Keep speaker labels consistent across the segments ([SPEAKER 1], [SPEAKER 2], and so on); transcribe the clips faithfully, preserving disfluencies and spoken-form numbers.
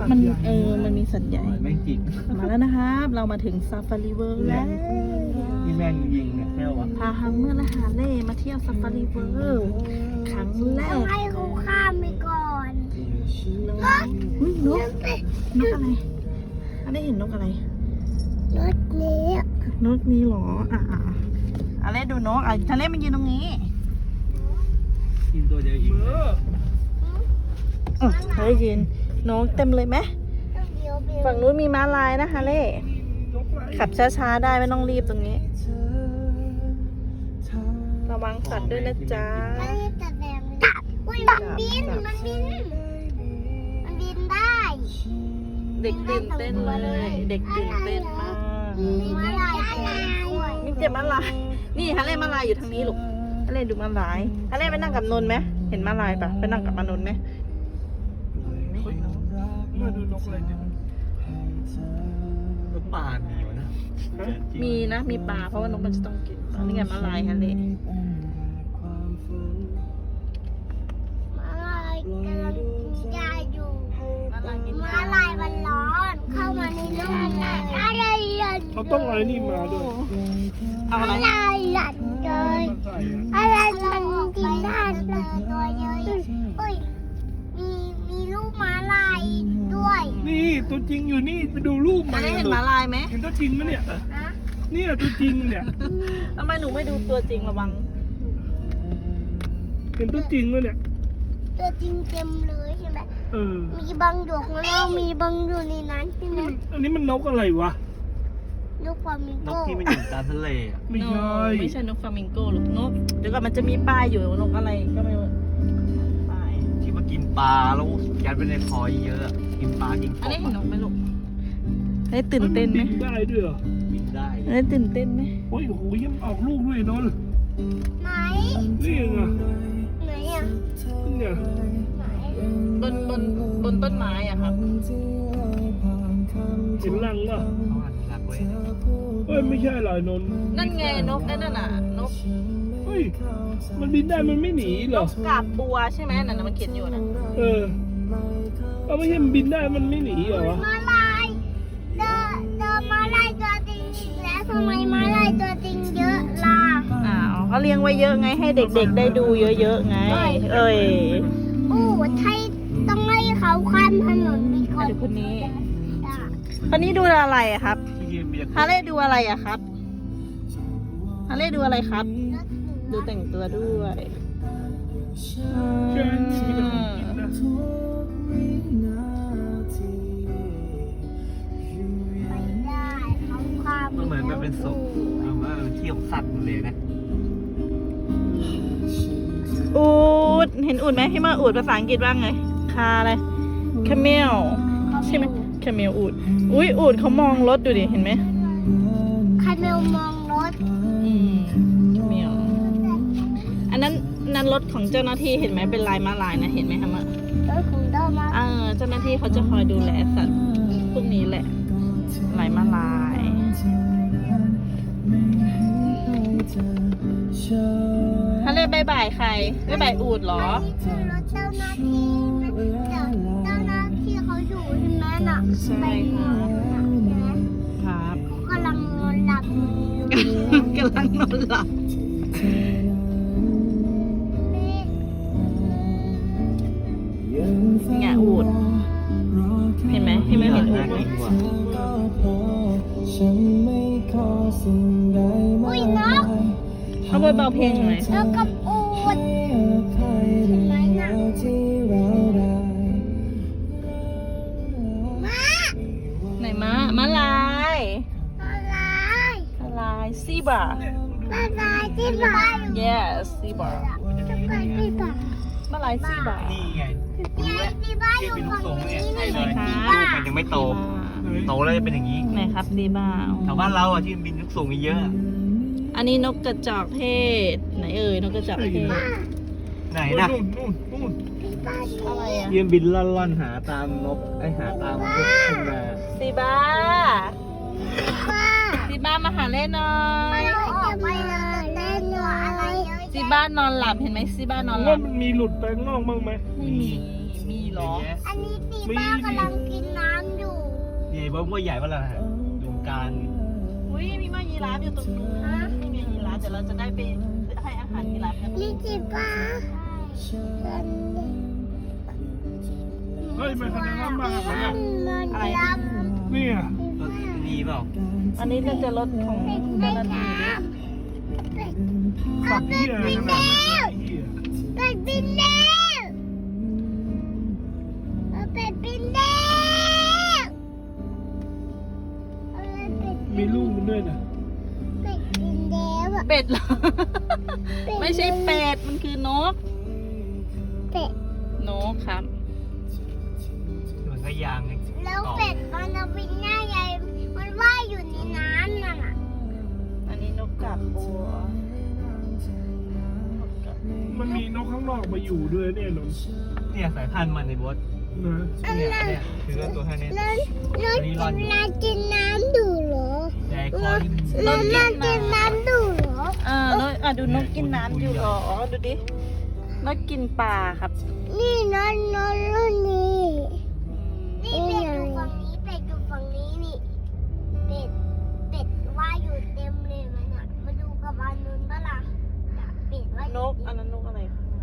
[SPEAKER 1] มันเออมันมีสัตว์ใหญ่
[SPEAKER 2] แม่งจิก
[SPEAKER 1] มาแล้วนะครับเรามาถึงซาฟารีเวิร์แล้ว
[SPEAKER 2] นี่แม่งยิงเนี่ยแค่วะ
[SPEAKER 1] พาฮัมเมอร์และฮาเล่มาเที่ยวซาฟารีเวิร์ครั้งแร
[SPEAKER 3] ต้อก งให้เขาข้ามไปก่อน
[SPEAKER 1] อุ๊ยนกนกอะไรอันได้เห็นนกอะไร
[SPEAKER 3] รถนี้
[SPEAKER 1] นกนี้หรออ่ะอ่ะอะไรดูนกอ่ะทะเลมันยืนตรงนี้
[SPEAKER 2] กินตัวเดียวอีกเลย
[SPEAKER 1] อือทะเลยืนนกเต็มเลยไหม
[SPEAKER 3] ต้องเดียวเดียว
[SPEAKER 1] ฝั่งนู้นมีม้าลายนะฮาเล่ขับช้าๆได้ไม่ต้องรีบตรงนี้ ระวังสัตว์ด้วยนะจ๊ะ
[SPEAKER 3] ไม่ได้แต่แดงเลยอุ้ยมันบิน มันบิน มันบินได้
[SPEAKER 1] เด็กตื่นเต้นเลย เด็กตื่นเต้นมาก
[SPEAKER 3] มีมาลายด้วย
[SPEAKER 1] นี่เจ็บม้าลาย นี่ฮาเล่ม้าลายอยู่ทางนี้ลูกฮาเล่ดูม้าลายฮาเล่ไปนั่งกับนนท์ไหมเห็นม้าลายปะไปนั่งกับมานนท์ไหม
[SPEAKER 2] มาดูนกอะไรเนี่ยนกป่ามีวะนะ
[SPEAKER 1] มีนะมีปลาเพราะว่านกมันจะต้องกินปลานี่ไงม้าลายฮาเล่
[SPEAKER 3] มาลายกำลังกินยาอยู่
[SPEAKER 1] ม้าลายกิน
[SPEAKER 3] มาลายมันร้อน เข้ามาในร่มอะไรหลัน
[SPEAKER 4] เขาต้องอะไรนี่มาด้วย
[SPEAKER 1] เอาอะไร
[SPEAKER 3] อะไรหลันเลยอะไรมันกินได้เลยตัวเยอะเอ้ย มีมีลูกม้าลายด้วย
[SPEAKER 4] นี่ตัวจริงอยู่นี่ไปดูรูป
[SPEAKER 1] ฮา
[SPEAKER 4] มา
[SPEAKER 1] เล่เห็นม้าลายไหม
[SPEAKER 4] เห็นตัวจริงไหมเนี่ย
[SPEAKER 3] นะ
[SPEAKER 4] เนี่ยตัวจริงเนี่ย
[SPEAKER 1] ทำไมหนูไม่ดูตัวจริงระวัง
[SPEAKER 4] เห็นตัวจริงไหมเนี่ย
[SPEAKER 3] ตัวจริงเต็มเลยใช่ไหม
[SPEAKER 4] เออ
[SPEAKER 3] มีบางดวงแล้วมีบางอยู่ในนั้นใช่ไหม
[SPEAKER 4] อันนี้มันนกอะไรวะ
[SPEAKER 3] ลูกฟลามิง
[SPEAKER 2] น
[SPEAKER 3] โก
[SPEAKER 2] กที่มันอยู่ตามทะเลอ่ะ
[SPEAKER 4] ไม่ใช่
[SPEAKER 1] ไม่ใช่นกฟลามิงโกหรอกนกเดี๋ยวก่อนมันจะมีป้ายอยู่นกอะไรก็ไม่รู้ป้าย
[SPEAKER 2] ที่มากินปลาแล้วยัดไปในคอเยอะอะกินปลากินก
[SPEAKER 1] อัน
[SPEAKER 2] บ
[SPEAKER 1] นี้เห็นน
[SPEAKER 2] อะ
[SPEAKER 1] กไหมลูกได้ตื่นเต้นไหม
[SPEAKER 4] บิได้ด้วยเหรอ
[SPEAKER 2] บินได้
[SPEAKER 1] ได้ตื่นเต้นไหม
[SPEAKER 4] โอ้ยโอ้โหยังออกลูกด้วยนนท์
[SPEAKER 3] ไหน
[SPEAKER 4] นี่ไง
[SPEAKER 3] ไหนอ่ะ
[SPEAKER 4] เนี่ย
[SPEAKER 3] ไหน
[SPEAKER 1] บนบนบนต้นไม้อะครับ
[SPEAKER 4] เห็นรังป่ะ
[SPEAKER 2] เขาอนุรักษ์ไว้นะ
[SPEAKER 4] เฮ้ยไม่ใช่หรอนนท์
[SPEAKER 1] นั่นไงนกนั่นน่ะนก
[SPEAKER 4] เฮ้ยมันบินได้มันไม่หนีเหร
[SPEAKER 1] น
[SPEAKER 4] อก
[SPEAKER 1] กาบบัวใช่ไหมนั่นน่ะมันเขียนอยู่นะ
[SPEAKER 4] เออเอาไม่ใช่มันบินได้มันไม่หนีเหรอวะ
[SPEAKER 3] มาลายเจอเจอมาลายตัวจริงอีกแล้วทำไมมาลายตัวจริงเยอะล่ะ
[SPEAKER 1] อ้าวเขาเลี้ยงไว้เยอะไงให้เด็กๆได้ดูเยอะๆไง เอ้ย
[SPEAKER 3] โอ้ไทยต้องให้เขาข้ามถนนมีค
[SPEAKER 1] อ่ะ
[SPEAKER 3] น
[SPEAKER 1] เดี๋ยวคนนี้
[SPEAKER 3] ด่า
[SPEAKER 1] คนนี้ดูอะไรอะครับ
[SPEAKER 2] ที่ยืนเบียร์
[SPEAKER 1] ฮาเล่ดูอะไรอะครับฮาเล่ดูอะไรครับ
[SPEAKER 3] รถหนู
[SPEAKER 1] ดูแต่งตัวด้วย
[SPEAKER 4] ใช่มีแต่ของกินนะ
[SPEAKER 3] ไปได้เขาข้าม
[SPEAKER 2] มันเหมือนมันเป็นศพมันว่ามันที่ของสัตว์หมดเลยนะ
[SPEAKER 1] อูดเห็นอูดไหมที่มาอูดภาษาอังกฤษว่าไง คาอะไร คาเมล ใช่ไหมคาเมลอูด อุ้ยอูดเขามองรถดูดิ เห็นไหม
[SPEAKER 3] ใครเมลมองรถ
[SPEAKER 1] อืมคาเมล อันนั้นนั้นรถของเจ้าหน้าที่เห็นไหมเป็นลายมาลายนะ เห็นไหมคะมะ
[SPEAKER 3] รถของดอมา
[SPEAKER 1] เออเจ้าหน้าที่เขาจะคอยดูแลสัตว์พวกนี้แหละ ลายมาลายฮาเล่บายบายใครบายบายอูดเหรอ
[SPEAKER 3] อันนี้คือรถเจ้าหน้าที่นะเจ้าเจ้าหน้าที่เขาอยู่ใช่ไหมน่ะ
[SPEAKER 1] ใช่
[SPEAKER 3] ไป
[SPEAKER 1] ค่ะ
[SPEAKER 3] น่ะใช่ไหม
[SPEAKER 1] ครับ
[SPEAKER 3] เขากำลังนอนหลับอยู่
[SPEAKER 1] กำลังนอนหลับ
[SPEAKER 3] นี่
[SPEAKER 1] แงะอูด เห็นไหมเห็นไหมเห็นอูดไหม
[SPEAKER 3] อุ้ยนก
[SPEAKER 1] เขาเปิดเบาเพลงหน่อย
[SPEAKER 3] นกกับอูดเห็นไหมน่ะม้า
[SPEAKER 1] ไหนม้าม้าลาย
[SPEAKER 3] อะไร
[SPEAKER 1] ม้าลายซีบรา
[SPEAKER 3] อะไรที่บ้าน
[SPEAKER 1] yes ซีบรา
[SPEAKER 3] จะไปที่บ้าน
[SPEAKER 1] ม้าลายซีบรา
[SPEAKER 2] นี่ไง
[SPEAKER 3] ยายที่บ้านอยู่ฝั่งนี้นี่
[SPEAKER 2] ใช่เลย
[SPEAKER 3] ที่
[SPEAKER 2] ลู
[SPEAKER 3] บ้าก
[SPEAKER 2] มันยังไม่โต โตแล้วจะเป็นอย่างนี้
[SPEAKER 1] ไหนครับซีบรา
[SPEAKER 2] แถวบ้านเราอ่ะที่มันบินลูกสูงมีเยอะอะ
[SPEAKER 1] อันนี้นกกระจอกเทศไหนเอ่ยนกกระจอกเทศ
[SPEAKER 2] ไหน
[SPEAKER 4] โอ้ย
[SPEAKER 2] นะ
[SPEAKER 4] นู่นนู่นนู่น
[SPEAKER 3] ที่บ้านอยู่
[SPEAKER 1] อะไรอะ
[SPEAKER 2] ยืนบินล่อนๆหาตามนกไอหาตามพวกทุ่งนา
[SPEAKER 1] ซีบรา
[SPEAKER 3] บ้า
[SPEAKER 1] ซีบรามาหาเล่นหน่อย
[SPEAKER 3] เราออกไปเลยเล่นหนูอะไรเยอะ
[SPEAKER 1] ซีบรานอนหลับเห็นไหมซีบรานอนหลั
[SPEAKER 4] ว่า
[SPEAKER 1] บ
[SPEAKER 4] มันมีหลุดไปข้างนอกบ้างไหม
[SPEAKER 1] ไม่มีมีเหรอ
[SPEAKER 3] อันนี้ตีบ้ากำลังกินน้
[SPEAKER 2] ว่าว่าใหญ่ว่าอะไรดูการ
[SPEAKER 1] อุ้ยมีมายีราฟอยู่ตรงนู้นนี่มียีราฟเดี๋ยวเราจะได้ไปให้อาหารยีราฟกัน
[SPEAKER 3] นี่จิป้า
[SPEAKER 4] เฮ้ยมันแสดงว่ามาขนาด
[SPEAKER 3] มันดำ
[SPEAKER 4] นี่อ่ะ
[SPEAKER 2] รถดีเปล่า
[SPEAKER 1] อันนี้น่าจะรถของ
[SPEAKER 3] เป็ด
[SPEAKER 1] เจ้า
[SPEAKER 3] ไม่
[SPEAKER 1] หน้าที่
[SPEAKER 3] ด
[SPEAKER 1] ดิ
[SPEAKER 3] ำ
[SPEAKER 4] ขับเหี้ยขนาดนั้นเหี้ย
[SPEAKER 3] เป็ดบินแล้วเป็ดบินแล้วเป็ด
[SPEAKER 4] มีลูกมันด้วยนะ
[SPEAKER 3] เป็ดบินแล้วอะ
[SPEAKER 1] เป็ดเหรอ ไม่ใช่เป็ด มันคือนก
[SPEAKER 3] เป็ด
[SPEAKER 1] นกครับ
[SPEAKER 2] เหมือนกับยางไง
[SPEAKER 3] แล้วเป็ดมันเอาบินหน้าใหญ่มันว่ายอยู่ในน้ำนั่นน่ะ
[SPEAKER 1] อันนี้นกกาบบัว
[SPEAKER 4] มันมีนกข้างนอกมาอยู่ด้วยเนี่ยนนท์
[SPEAKER 2] เนี่ยสายพันธุ์มันในบอส
[SPEAKER 4] นะ
[SPEAKER 2] เนี่ยเนี่ยคือตัวแค่นี้
[SPEAKER 3] แล้วแล้วกินน้ำกินน้ำดูเหรอ
[SPEAKER 2] ใหญ่คอที่
[SPEAKER 3] แล้วน้ำกินน้ำดูเหรอ
[SPEAKER 1] อ่านกอ่ะดูนกกินน้ำอยู่เหรอ ดูดิ นกกินปลาครับ
[SPEAKER 3] นี่นอนนอนรุ่นนี้นี่เป็ดอยู่ฝั่งนี้เป็ดอยู่ฝั่งนี้นี่เป็ดเป็ดว่ายอยู่เต็มเลยมันอ่ะมาดูกับอันนู้นปะล่ะน่ะเป็ดว่าย
[SPEAKER 1] นก อันนั้นนกอะไร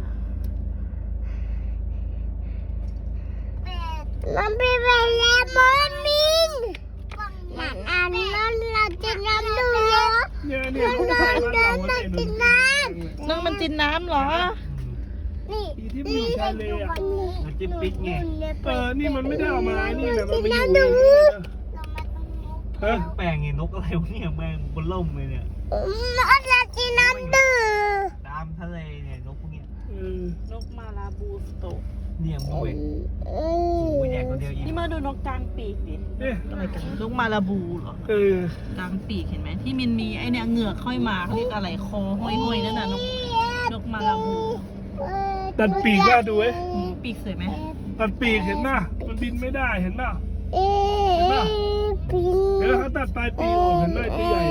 [SPEAKER 3] เป็ดมันเป็นไปแล้วมันมินนั่นอันนั้นเราจะน้ำดูเหรอ
[SPEAKER 4] เนี่ยเนี่ยพวกไทยบ้านเราเนี่ยนนท์
[SPEAKER 1] นกมันกินน้ำเหรอ
[SPEAKER 3] นี่
[SPEAKER 4] ที่มันอยู่ทะเลอ่ะ
[SPEAKER 2] มันจิ้มปิ๊กไง
[SPEAKER 4] เออนี่มันไม่ได้เอามานี่นะมันมาอยู่เอง
[SPEAKER 3] เรามาตรงนู้น
[SPEAKER 4] ฮะ
[SPEAKER 2] แปลงไงนกอะไรวะเนี่ยแมงบนล่มเลยเนี่ย
[SPEAKER 3] เราจะกินน้ำดื่ม
[SPEAKER 2] ตามทะเลเนี่ยนกพวกเนี้ย
[SPEAKER 4] เออน
[SPEAKER 1] กมาลาบูสโต
[SPEAKER 2] เนี่ยมูเว
[SPEAKER 3] เอ
[SPEAKER 2] มู
[SPEAKER 3] อ
[SPEAKER 2] ใหญ่กว่าเดียวอีก
[SPEAKER 1] นี่มาดูนกกลางปีกดิ
[SPEAKER 4] เนี่ย
[SPEAKER 1] อะไรกันนกมาลาบูเหรอ
[SPEAKER 4] เออก
[SPEAKER 1] ลางปีกเห็นไหมที่มันมีไอเนี่ยเหงือกค่อยมาเขาเรียกอะไรคอห้อยๆนั่นน่ะนกนกมาลาบู
[SPEAKER 4] ตัดปีกว่าดูเว้ย
[SPEAKER 1] อืมปีกสวยไหม
[SPEAKER 4] ตัดปีกเห็นป่ะมันบินไม่ได้เห็นป่ะ
[SPEAKER 3] เอ๊ะปิง
[SPEAKER 4] เดี๋ยวเขาตัดปลายปีกออกเห็นไหมตัวใหญ่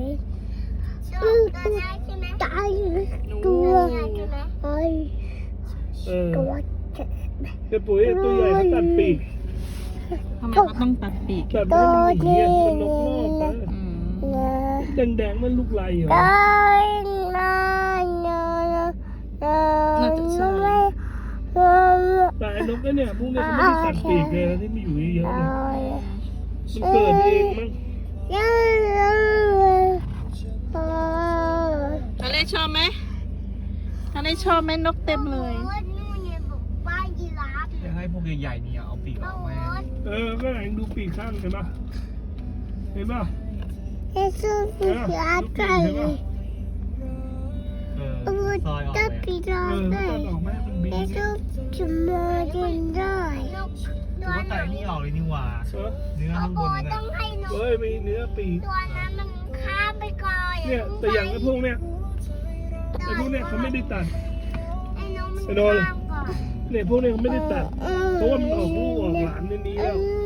[SPEAKER 3] ตาย
[SPEAKER 1] นู
[SPEAKER 3] ตัวไอ้
[SPEAKER 4] เออ
[SPEAKER 3] ตัวเจ็บ
[SPEAKER 4] เดี๋ยวปุ๋ยตัวใหญ่เขาตัดปีก
[SPEAKER 1] ทำไมเขาต้องตัดปีก
[SPEAKER 4] ตัดให้มันหนีอ่ะมันนกนอกไป
[SPEAKER 1] อืม
[SPEAKER 3] เนื้อ
[SPEAKER 4] แดงๆมันลูกไรเหรอ
[SPEAKER 3] ตายนะเนื้อเนื้อเนื้อไม่เนื้อ
[SPEAKER 4] แต่ไอ้นกเนี่ยพวกเนี้ยเขาไม่ได้ตัดปีกเลยนะที่มีอยู่เยอะๆ
[SPEAKER 3] ตา
[SPEAKER 4] เนี่ย
[SPEAKER 3] ย
[SPEAKER 4] มันเกิดเองมั้ง
[SPEAKER 3] เนื้อเนื้อเนื้อ
[SPEAKER 1] ทะเลชอบไหมทะเลชอบไหมนกเต็มเลย
[SPEAKER 3] นู่นเนี่ยบอกว่ายีราฟ
[SPEAKER 2] อยากให้พวกใหญ่ๆเนี่ยเอาปีกออกมา
[SPEAKER 4] เออก็ไหนดูปีกข้างเห็นป่ะเห็นป่ะ
[SPEAKER 3] เอซูฟิชาไก่
[SPEAKER 2] เออ
[SPEAKER 3] อู
[SPEAKER 2] ซอยออก
[SPEAKER 3] ตะ
[SPEAKER 2] เลย
[SPEAKER 3] ปีรา
[SPEAKER 4] เออ
[SPEAKER 3] ไก่
[SPEAKER 4] ตัดออกไหมมันบิน
[SPEAKER 3] เอ
[SPEAKER 4] เนี่ย
[SPEAKER 3] ซูจะมากินได้
[SPEAKER 2] ถือว่าแต่นี่ออกเลยนี่หว่า
[SPEAKER 4] เออ
[SPEAKER 2] เนื้อ
[SPEAKER 3] โอ้
[SPEAKER 2] ข้าง
[SPEAKER 3] โห
[SPEAKER 2] บน
[SPEAKER 3] ต้
[SPEAKER 2] น่ะ
[SPEAKER 3] องให้นก
[SPEAKER 4] เฮ้ยมีเนื้อปีก
[SPEAKER 3] ตัวนั้นมันข้ามไปก่อน
[SPEAKER 4] เนี่ยแต่อย่างไอ้พวกเนี้ยไอ้พวกเนี้ยเขาไม่ได้ตัด
[SPEAKER 3] ไอ้นกมัน
[SPEAKER 4] ไอ้โดน
[SPEAKER 3] ข้ามก่อน
[SPEAKER 4] เนี่ยพวกเนี้ยเขาไม่ได้ตัด เพราะว่ามันออกลูกออกหลานในนี้แล้ว
[SPEAKER 3] อื